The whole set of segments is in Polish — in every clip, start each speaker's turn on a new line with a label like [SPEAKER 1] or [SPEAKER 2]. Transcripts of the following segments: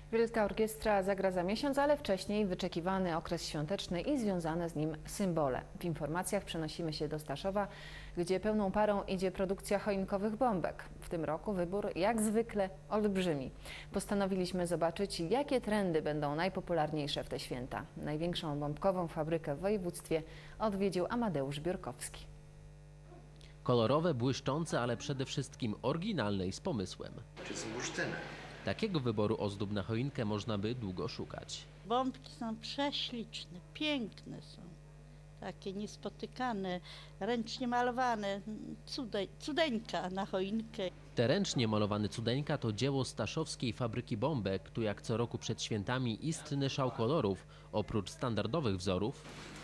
[SPEAKER 1] Wielka Orkiestra zagra za miesiąc, ale wcześniej wyczekiwany okres świąteczny i związane z nim symbole. W informacjach przenosimy się do Staszowa, gdzie pełną parą idzie produkcja choinkowych bombek. W tym roku wybór jak zwykle olbrzymi. Postanowiliśmy zobaczyć, jakie trendy będą najpopularniejsze w te święta. Największą bombkową fabrykę w województwie odwiedził Amadeusz Biórkowski.
[SPEAKER 2] Kolorowe, błyszczące, ale przede wszystkim oryginalne i z pomysłem.
[SPEAKER 3] Czy z bursztynem?
[SPEAKER 2] Takiego wyboru ozdób na choinkę można by długo szukać.
[SPEAKER 4] Bombki są prześliczne, piękne są. Takie niespotykane, ręcznie malowane, cudeńka na choinkę.
[SPEAKER 2] Te ręcznie malowany cudeńka to dzieło staszowskiej fabryki bombek. Tu jak co roku przed świętami istny szał kolorów. Oprócz standardowych wzorów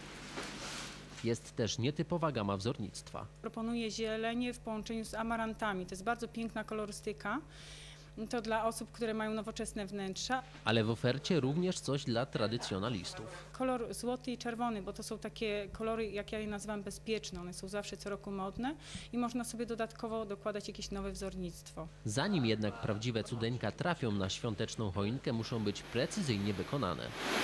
[SPEAKER 2] jest też nietypowa gama wzornictwa.
[SPEAKER 5] Proponuję zielenie w połączeniu z amarantami. To jest bardzo piękna kolorystyka. To dla osób, które mają nowoczesne wnętrza.
[SPEAKER 2] Ale w ofercie również coś dla tradycjonalistów.
[SPEAKER 5] Kolor złoty i czerwony, bo to są takie kolory, jak ja je nazywam, bezpieczne. One są zawsze co roku modne i można sobie dodatkowo dokładać jakieś nowe wzornictwo.
[SPEAKER 2] Zanim jednak prawdziwe cudeńka trafią na świąteczną choinkę, muszą być precyzyjnie wykonane.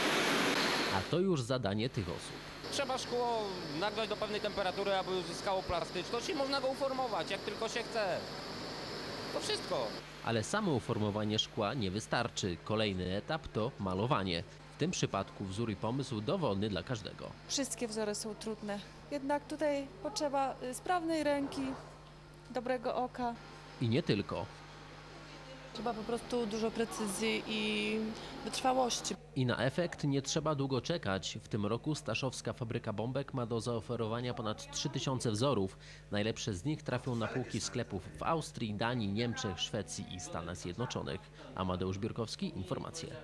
[SPEAKER 2] A to już zadanie tych osób.
[SPEAKER 6] Trzeba szkło nagrzać do pewnej temperatury, aby uzyskało plastyczność i można go uformować, jak tylko się chce. To wszystko.
[SPEAKER 2] Ale samo uformowanie szkła nie wystarczy. Kolejny etap to malowanie. W tym przypadku wzór i pomysł dowolny dla każdego.
[SPEAKER 7] Wszystkie wzory są trudne, jednak tutaj potrzeba sprawnej ręki, dobrego oka.
[SPEAKER 2] I nie tylko.
[SPEAKER 7] Trzeba po prostu dużo precyzji i wytrwałości.
[SPEAKER 2] I na efekt nie trzeba długo czekać. W tym roku staszowska fabryka bombek ma do zaoferowania ponad 3000 wzorów. Najlepsze z nich trafią na półki sklepów w Austrii, Danii, Niemczech, Szwecji i Stanach Zjednoczonych. Amadeusz Biórkowski, informacje.